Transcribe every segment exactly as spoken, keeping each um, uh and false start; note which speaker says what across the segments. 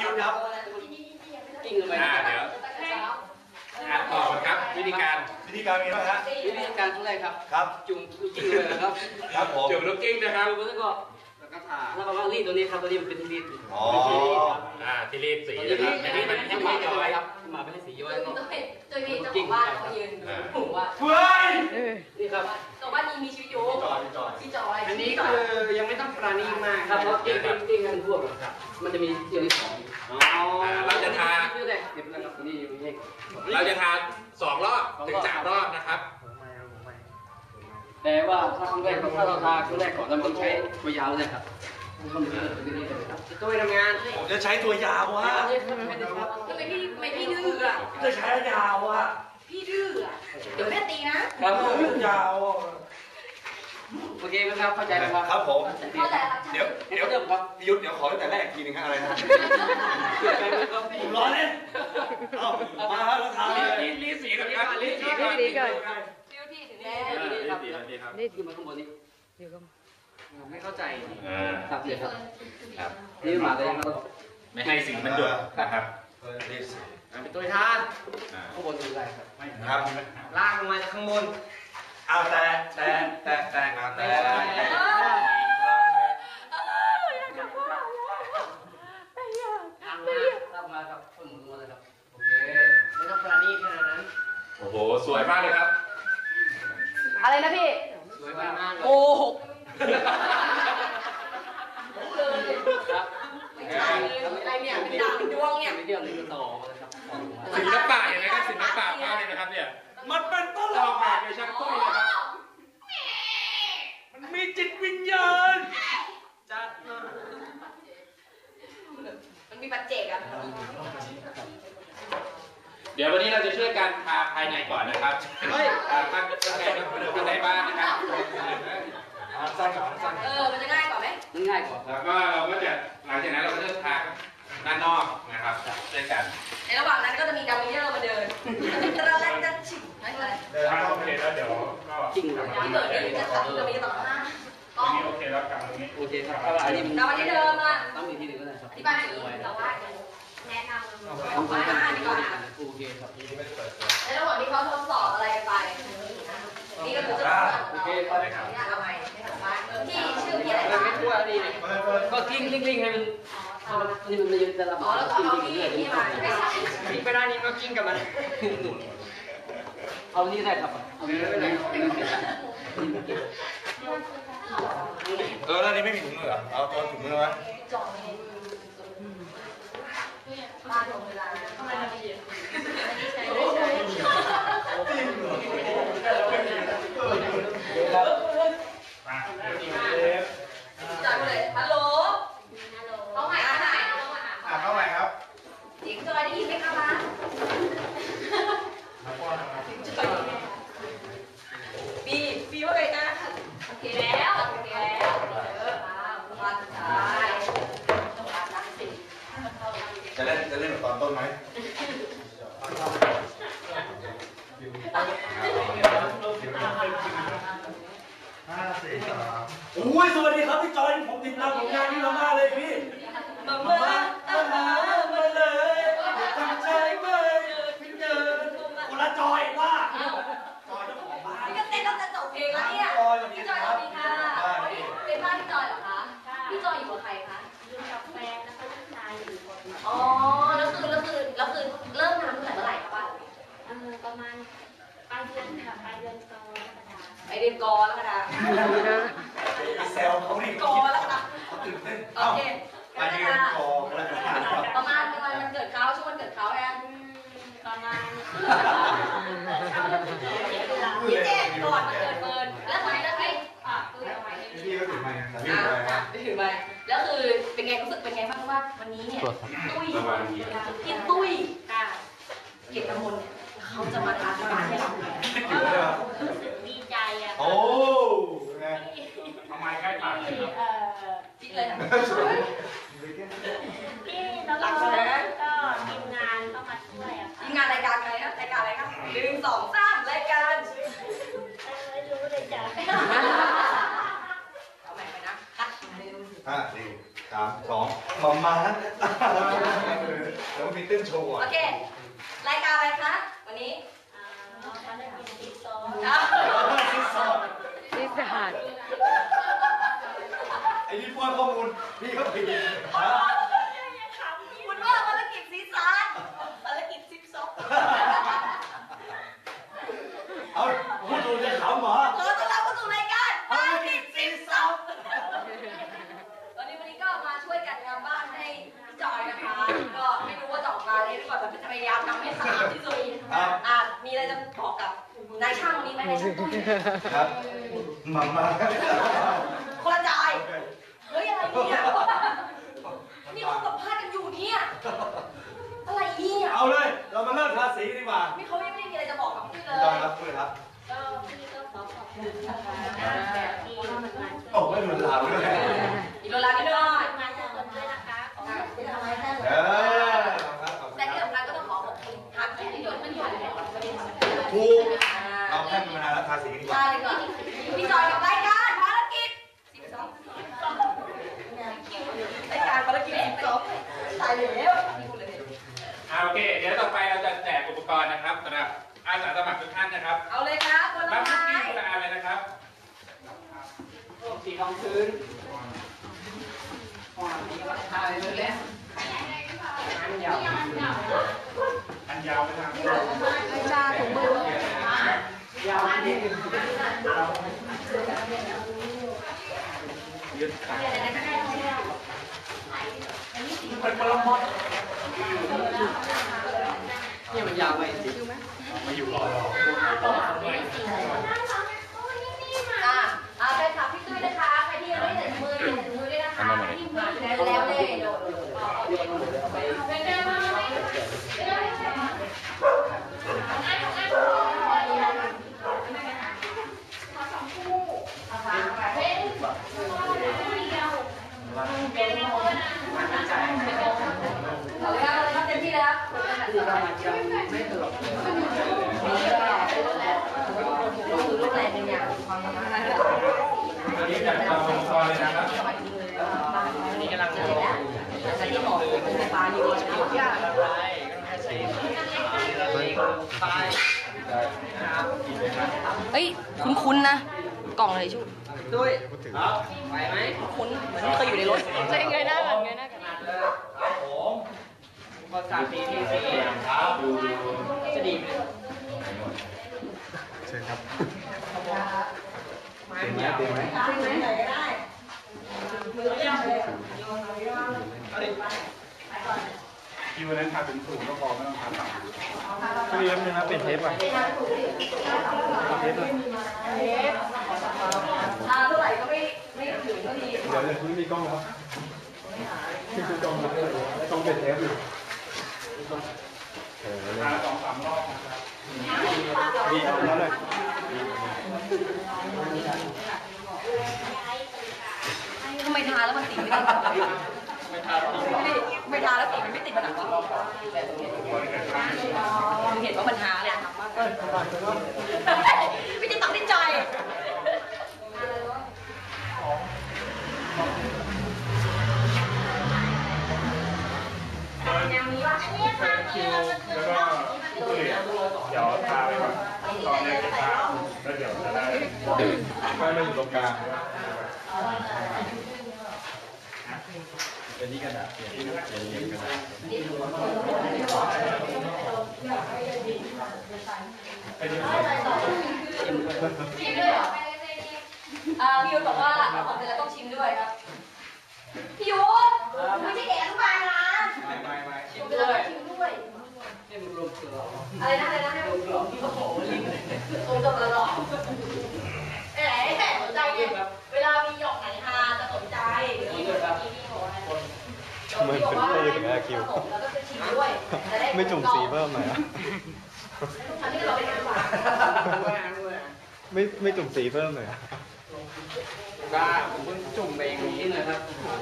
Speaker 1: ครับกิ้งลงไปเดี๋ยวอ่ะต่อครับวิธีการ
Speaker 2: วิธีการมีไหมฮะ
Speaker 1: วิธีการขั้นแรกครับ
Speaker 2: ครับ
Speaker 1: จุ่มลูกกิ้งเลยนะครับ
Speaker 2: ครับผม
Speaker 1: จุ่มลูกกิ้งนะครับแล้วก็แล้วก็ผ่าแล้วก็ว่ารีดตัวนี้ครับตัวนี้มันเป็นรีด
Speaker 2: อ๋อ
Speaker 1: อ่าที่รีดสีนะครับอันนี้มันให้มาย้อยครับมาไม่ให้สีย้อยก็
Speaker 3: ตัวนี้เจ้าของบ้านเขายืนถูกว่า
Speaker 2: เฮ้ย
Speaker 1: นี่ครับ
Speaker 3: ตัวบ้านนี้มีชีวิตอยู่พี่จอย
Speaker 1: อันนี้คือยังไม่ต้องปราณีมากครับเพราะกิ้งกิ้งกันพวกครับมันจะมีเที่ยวที่สองอ๋อเราจะทาเที่ยวแรกเดี๋ยวนะครับนี่อยู่นี่เราจะทาสองรอบถึงสามรอบนะครับแต่ว่าถ้าครั้งแรกถ้าเราทาครั้งแรกก่อนเราต้องใช้ตัวยาวเลยครับตัวทำงาน
Speaker 2: ผมจะใช้ตัวยาววะ
Speaker 3: ทำไมพี่ไม่พี่ดื้ออ่ะ
Speaker 2: จะใช้ยาววะ
Speaker 3: พี่ดื้ออ่ะเดี๋ยวแม่ตีนะครับ
Speaker 2: ยาว
Speaker 1: โอเคไหมครับเข้าใจไหมครับ
Speaker 2: ครับผม
Speaker 3: เข้าใจครับ
Speaker 2: เดี๋ยวเดี๋ยวครับยุทธเดี๋ยวขอตั้งแต่แรกทีนึงอะไรนะผมร้อนเลยเอามาแล้วทำ
Speaker 1: รีรีสีกันครับรีสีกันรีกัน
Speaker 3: ฟิวที่ถึงแล้ว
Speaker 1: นี่ครับนี่คือมาข้างบนนี้ไม่เข้าใจครับเดี๋ยวครับครับนี่มาเลยครับไม่ให้สิ่งมันหยดนะครับเป็นตัวทานข้างบนคืออะไรครับ
Speaker 2: ครับ
Speaker 1: ล่างลงมาจากข้างบน
Speaker 2: เอาแต่แต่แต่แต่แต่
Speaker 1: ทำมาครับคนหมุนมาเลยครับโอเคไม่ต้องปราณีขนาดนั้น
Speaker 2: โอ้โหสวยมากเลยครับ
Speaker 3: อะไรนะพี่
Speaker 1: สวยมาก
Speaker 3: โอ้โหอะไรเนี่ยเป็นดาวเป็นดวงเนี่ย
Speaker 1: ไม่เดียวเลยต่อเลยครับ
Speaker 2: ศิลปะเห็นไหมครับศิลปะมากเลยนะครับเนี่ยมันเป็นตลกแบบช่างตุ้ยนะครับมันมีจิตวิญญาณ
Speaker 1: จัด
Speaker 3: มันมีปัจเจกอะ
Speaker 1: เดี๋ยววันนี้เราจะช่วยกันทาภายในก่อนนะครับเฮ้ยทำเป็นไงครับทำในบ้านนะครับ
Speaker 2: สั้นก่อนสั้น
Speaker 3: เออมันจะง่ายกว่าไหม
Speaker 1: มันง่ายกว่าแล้วก็เราก็จะหลังจากนั้นเราก็จะทาด้านนอกนะครับช่วยกัน
Speaker 3: ในระหว่างนั้นก็จะมีดัมเบลเยอร์มาเดินตระแรกจะฉิบไม่อะไร
Speaker 2: เดินโอเคแล้วเดี๋ยวก็
Speaker 1: จริง
Speaker 3: ที่เกิดนี่จะขับจะมีต่อหน้า
Speaker 2: ตรงนี้โอเคแล้วกลับตรงนี้
Speaker 1: โอเคครับอันนี้
Speaker 3: เราวันนี้เดิมอ่ะ
Speaker 1: ต้องมีที่หนึ่งก็ได้ครับ
Speaker 3: ที่บ้านอย่างนี้แต่ว่าแนะนำเอาไว้อ่านดีกว่า
Speaker 1: โอเคครับ
Speaker 3: ในระหว่างที่เขาทดสอบอะไรไปนี่ก็คือจะ
Speaker 1: โอเคก็ได้ครับ
Speaker 3: เอาไปที่ชื่อพี่อะไร
Speaker 1: ไม่ทั่วนี่ก็กิ้งลิงลิงให้มันนี่มันจะจะระบาด
Speaker 3: แล้วก็เอาพี่พี่มาไม่ใช่
Speaker 1: กิ้งไปได้นี่ก็กิ้งกับมันเอานี่ได้ครับเอานี่ได้เลย
Speaker 2: เออแล้วนี่ไม่มีถุงมือเหรอเอาเอาถุงมือไว้
Speaker 3: บ้านของเวลาทำไมทำไม่เย็นใช้ได้ใช้จัดเลยฮัลโหลเขาใหม่เขาใหม่
Speaker 2: อ่ะเข้าใหม่ครับ
Speaker 3: เสียงจอยได้ยินไหมคะมาปีปีว่าไงนะโอเคแล้วโอเคแล้วเออมาสุดท้าย
Speaker 2: จะเล่นจะเล่นแบบตอนต้นไหมห้าสี่สามโอ้ยสวัสดีครับพี่จอยผมติดตามผลงานนี้มากเลยพี่
Speaker 3: มาเมื่ออาหารมาเลย
Speaker 2: ตั้งใจไม่พี่เจอคนละจอยว่าจอยเจ้าของบ้าน
Speaker 3: นี่ก็เต้นแล้วจะจบเพลงแล้วเนี่ยพี่จอยสวัสดีค่ะเป็นบ้านพี่จอยเหรอคะพี่จอยอยู่กับใครคะ
Speaker 4: อยู่กับแฟนแล้วก็ลูกชายอยู่คน
Speaker 3: อ๋อแล้วคือแล้วคือแล้วคือเริ่มทำตั้งแต่เมื่อไหร่คะบ้าน
Speaker 4: เออประมาณปลายเดือนค่ะปลายเดือนกรกฎาคม
Speaker 3: ไปเรียนกอแล้วกันนะ
Speaker 2: เซลเขาดิ
Speaker 3: กอแล้วกันโอเค
Speaker 2: ไปเรียนกอแล้วกัน
Speaker 3: ประมาณประมาณมันเกิดเขาช่วงวันเกิดเขาแอน
Speaker 4: ประมาณ
Speaker 3: ยี่เจ็ดก่อนมันเกิดเฟิร์นแล้วทำไมแล้วไอ้อ่ะคือทำไม
Speaker 2: พี่ก็ถือไมค์ถือไมค์
Speaker 3: ถือไมค์แล้วคือเป็นไงรู้สึกเป็นไงบ้างว่าวันนี้เนี่ยตุ้ยพี่ตุ้ยเกียรติกมลเนี่ยเขาจะมาทานที่บ้านให้เรา
Speaker 4: ดีใจอ่ะ
Speaker 2: โอ้
Speaker 4: ทำไมใกล้ปากเลยครับ
Speaker 3: พี่เลย
Speaker 4: พี่แล้วก็ก็ทีมงานต้องมาช่วยอ่ะ
Speaker 3: ทีมงานรายการอะไรครับรายการอะไรครับหนึ่งสองสามรายการ
Speaker 4: ไม่รู้เลยจ้ะ
Speaker 3: เอาใหม่ไปนะ
Speaker 2: ห้าสี่สามสองมามาขึ้นโชว์
Speaker 3: โอเครายการอะไรคะวันนี้
Speaker 4: ภารกิจที่สอง
Speaker 5: นิสาน
Speaker 2: ไอ้นี่ป้อนข้อมูลพี่เขาผิด
Speaker 3: คุณว่าภารกิจสีสานภารกิจสิบสอง
Speaker 2: เอาพูดดูจะขำเหรอ
Speaker 3: ขอต้อนรับเข้าสู่รายการภารกิจสิบสองวันนี้วันนี้ก็มาช่วยกันทำบ้านให้พี่จอยนะคะก็ไม่รู้ว่าจะออกมาเลยหรือเปล่าแต่จะพยายามทำให้สะอาดที่สุดอ่ะมีอะไรจะบอกกับนายช่างวันนี้ไหมนายช่างตุ้ย
Speaker 2: ครับมามา
Speaker 3: คนละจ่ายเฮ้ยอะไรเนี่ยนี่เขาสัมภาษณ์กันอยู่เนี่ยอะไรเนี่ย
Speaker 2: เอาเลยเรามาเริ่มทาสีดีกว่า
Speaker 3: นี่เขาไม่ได้มีอะไรจะบอกกับพี่เลย
Speaker 2: ได้ครับพูดครับ
Speaker 4: ก็พี่ก็ขอขอบคุณนะคะแบบที่มันมา
Speaker 2: โอ้ไม่เหมือนเราเลย
Speaker 3: อีโรลานิดหน่อย
Speaker 4: มาจากคนด้วยนะคะขอบคุณ
Speaker 3: ทำไมแค่
Speaker 2: เออ
Speaker 3: แต่ที่สำคัญก็ต้องขอขอบคุณทางที่หยดมันหยดเลย
Speaker 2: ถูกเราแค่มานานแล้วทาสีดีกว่า
Speaker 3: ใช่ก่อนพี่จอยกับรายการภารกิจสิบสองรายการภารกิจสิบสองตายแล้ว
Speaker 6: อ่าโอเค เดี๋ยวต่อไปเราจะแจกอุปกรณ์นะครับสำหรับอาสาสมัครทุกท่านนะครับ
Speaker 3: เอาเลยครับคนละ
Speaker 6: รับทุก
Speaker 3: ไม้
Speaker 6: ที่คนละอันเลยนะครับ
Speaker 1: สีทองพื้นนี่ก็ทายเลยแหละอันยาว
Speaker 6: อันยาวไหมครับ
Speaker 5: จ้าถุงมือย
Speaker 1: าวนี่
Speaker 6: ยืดขา
Speaker 1: เป็นปรมดนี่มันยาวไหมจริง
Speaker 6: มาอยู่รอรอ
Speaker 3: อ่าอ่าแฟนคลับพี่ตุ้ยนะคะใครที่ยังไม่ได้ใส่ถุงมือใส่ถุงมือด้วยนะคะแล้วเลยเป็นไงบ้างไหมเอาเลยครับเอาเลยครับเต็มที่เลยครับ
Speaker 1: ไม่ตลกเลย
Speaker 3: ลูกแหลมเป็นอย่างความสามารถ
Speaker 6: อันนี้จะทำอุปกรณ์เลยนะครับ
Speaker 1: นี่กำลังลง
Speaker 3: แต่ที่บอกเป็นไฟฟ้านี่ก็ใช้ยาก
Speaker 1: อะไรก็ต้องให้สีสีตายนะครับ
Speaker 3: เฮ้ยคุ้นๆนะกล่องอะไรชุบ
Speaker 1: ด้วยครับไหวไหม
Speaker 3: คุ้นเหมือนเคยอยู่ในรถ
Speaker 5: จะยังไงหน้ากันไงหน้ากัน
Speaker 1: ขนาดเลยครับผมอุปกรณ์สีทีสีครับจะดีไหม
Speaker 2: เชิญครับ
Speaker 1: ไม้มันยาวไหม
Speaker 3: ไหนก็ได้
Speaker 6: คิวนั้นทำเป็นสูงก็พอไม่ต้องทำต่ำ
Speaker 2: พี่เลี้ยงนึงนะเป็นเทปอ่ะเทปเลย
Speaker 3: ทาเท่าไหร่ก็ไม่ไม่ถึงเท่าที
Speaker 2: เดี๋ยวเลยคุณมีกล้องครับพี่คือกล้องนะต้องเป็นเทปอยู่
Speaker 6: ทาสองสามรอบนะครับ
Speaker 2: ดีเอาแล้วเลย
Speaker 3: ทำไมทาแล้วมันติดไม่ติดไม่ทาไม่ทาแล้วติดมันไม่ติดมันหนักวะมึงเห็นว่ามันทาเลยไม่ได้ตัดที่ใจ
Speaker 6: คิวแล้วก็ผู้เหลียเดี๋ยวทาไปก่อนตอนนี้จะทาแล้วเดี๋ยวจะได้ไม่ไม่อยู่ตรงกลาง
Speaker 2: เป็นนี่กระดาษเปลี่ยนเป็นนี่กระดาษ
Speaker 6: เป็นยังไง
Speaker 3: ชิมด้วยเหรออ่าพี่ยุทธบอกว่าเอาของเสร็จแล้วต้องชิมด้วยครับพี่ยุทธไม่ใช่เด็กอนุบาลนะ
Speaker 1: ไม่ไม่ไม่ชิ
Speaker 3: ชิ
Speaker 1: ม
Speaker 3: ม
Speaker 1: ด้
Speaker 3: ด้
Speaker 1: ว
Speaker 3: วย ยชิมด้วย
Speaker 1: นี่มันรวมเกลือ
Speaker 3: อะไรนะอะไรนะให้ผมลองที่เขาบอกว่าลิงโอ้จบแล้วหรอเอ๋แม่สนใจเนี่ยเวลามีหยอกไหนฮาจะสนใจนี่เมื่อกี้พี่บอกอะไรเหมือนเป็นปืนอย่างเงี้ยคิวแล้วก็จะชิมด้วยไม่จุ่มสีเพิ่มหน่อยอ่ะอันนี้เราไปกันดีกว่า
Speaker 2: ไม่ไม่จุ่มสีเพิ่มเลย
Speaker 1: ก็ผมเพิ่งจุ่มไปเองนี่นะครับ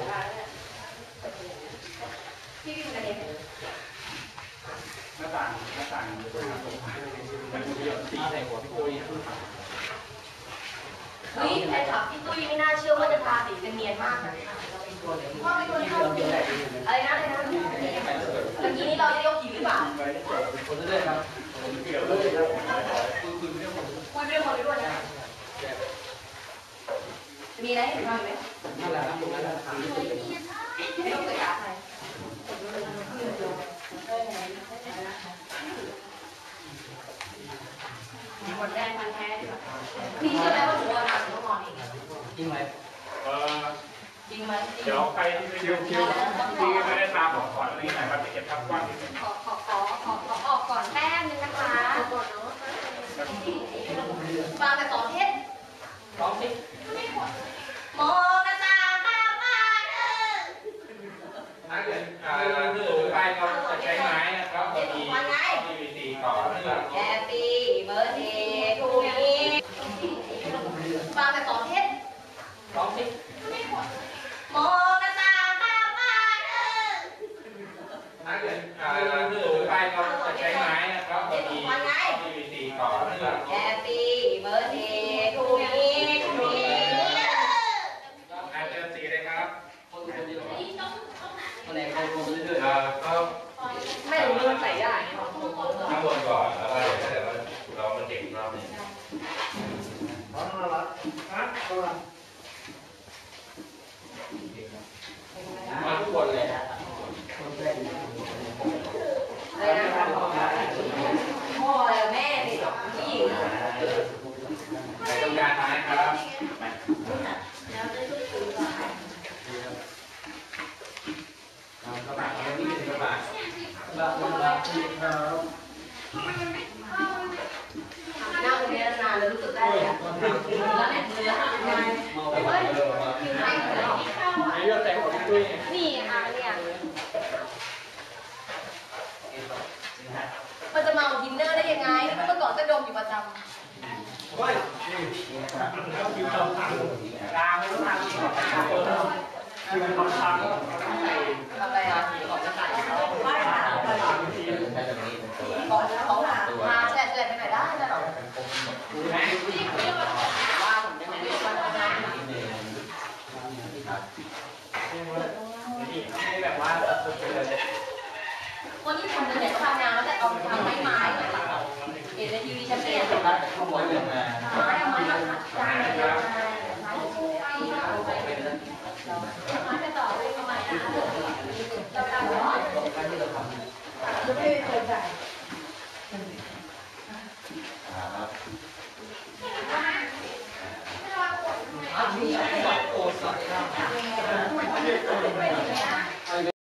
Speaker 3: พี่พี่กันเอง
Speaker 6: หน้าต่างหน้าต่างมันจะหยดสีใส่หัวพี่ตุ้ย
Speaker 3: เฮ้ยแฟนคลับพี่ตุ้ยไม่น่าเชื่อว่าจะทาสีกันเนียนมากนะว่าเป็นคนชอบอะไรนะอะไรนะเมื่อกี้นี้เราจะยกหิวรือเปล่า
Speaker 1: คนเรื่อยๆครับ
Speaker 3: คุยไม่ได้คนไปด้วยนะมีอะไรให้ทำไหม
Speaker 1: นั่นแหละครับตรงนั้นแหละ
Speaker 3: ไม่ต้องเกิดการใครคนแรกพันแท้ดีกว่าพี่เชื่อไหมว่าหนูว่าหนักหนูนอนเอง
Speaker 1: จริงไหม
Speaker 6: เออ
Speaker 3: จริงไหม
Speaker 6: เดี๋ยวใครที่ไม่คิวคิวที่ไม่ได้ตามของขวัญอะไรนี้หน่อยครับจะเก็บภาพกว้างนิดนึง
Speaker 4: ขอขอขอขอขอออกก่อนแป๊บนึงนะคะ
Speaker 3: ฟังแต่สองเทศ
Speaker 1: ร้องสิ
Speaker 3: มองหน้าต่างข้างบ้านเออ
Speaker 6: ถ้าเกิดอ่าสูงไปก็จะใช้ไม้นะครับก็มีพีวีซีต่อนะครับ
Speaker 3: แฮปปี้เบิร์ดเดย์ทูมีฟังแต่สองเทศ
Speaker 1: ร้องสิ
Speaker 3: มองหน้าต่างข้างบ้านเออ
Speaker 6: ถ้าเกิดอ่าสูงไปก็จะใช้ไม้นะครับก็มีพีวีซีต่อนะครับ
Speaker 3: แฮปปี้เบิร์ดเดย์ทูมีทูมี
Speaker 6: อาจจะสีเลยครับ
Speaker 1: คนคนเดียวคนไหนคนคนเรื่อย
Speaker 6: เอ่อก็
Speaker 3: ไม่รู้เรื่องใส่ได้
Speaker 6: ข้างบนก่อนแล้วก็เดี๋ยวถ้าเกิดว่าเรามันเด็กรอบนึงมาทุกคนเลย
Speaker 3: อะไรนะพ่ออะไรแม่เด็กผู้หญิง
Speaker 6: ใส่ตรงกลางนะครับ
Speaker 1: กระบะเราไม่มีกระบะกระบะกระบะที่เขา
Speaker 3: นั่งตรงนี้นานแล้วรู้สึกได้เลยแล้วเนี่ยมือหักไง
Speaker 1: เมาไปเลย
Speaker 3: คิวให้เลย
Speaker 1: ไอ้เรื่องแต่งของตุ้ย
Speaker 4: นี่ค่ะเนี่ย
Speaker 3: มันจะเมาทินเนอร์ได้ยังไงเมื่อก่อนก็ดมอยู่ประจำ
Speaker 1: เฮ้ย
Speaker 6: คิวต่อทางกลางไม่ต้องทางนี้ก่อนนะครับคิวต่อทางก็ใส่
Speaker 3: ทำอะไรอ่ะ
Speaker 6: ก่อนจะใส่เขา
Speaker 3: ไม่ค่ะ
Speaker 6: ทางที
Speaker 3: ก่อนเขาหาพาแฉลบแฉลบไปไหนได้นะหรอ
Speaker 6: ดูไหม
Speaker 3: ว่าผมจะไม่ได้มาทำงาน
Speaker 6: ให้แบบว่าสุดไปเลย
Speaker 3: คนที่ทำเนี่ยทำงานแล้วแต่เอาทำไม้ไม้เหมือนเราเห็นในทีวีแชมเปี้ยน
Speaker 1: ตัดข้างบนเลยมา
Speaker 3: ไม้เอาไม้มาขัดจานเลยไม้คู่ไอ้ไม้จะต่อไปทำไมอ่ะเราทำเหรอ
Speaker 1: การที่เราทำ
Speaker 3: ไม่เคยใส่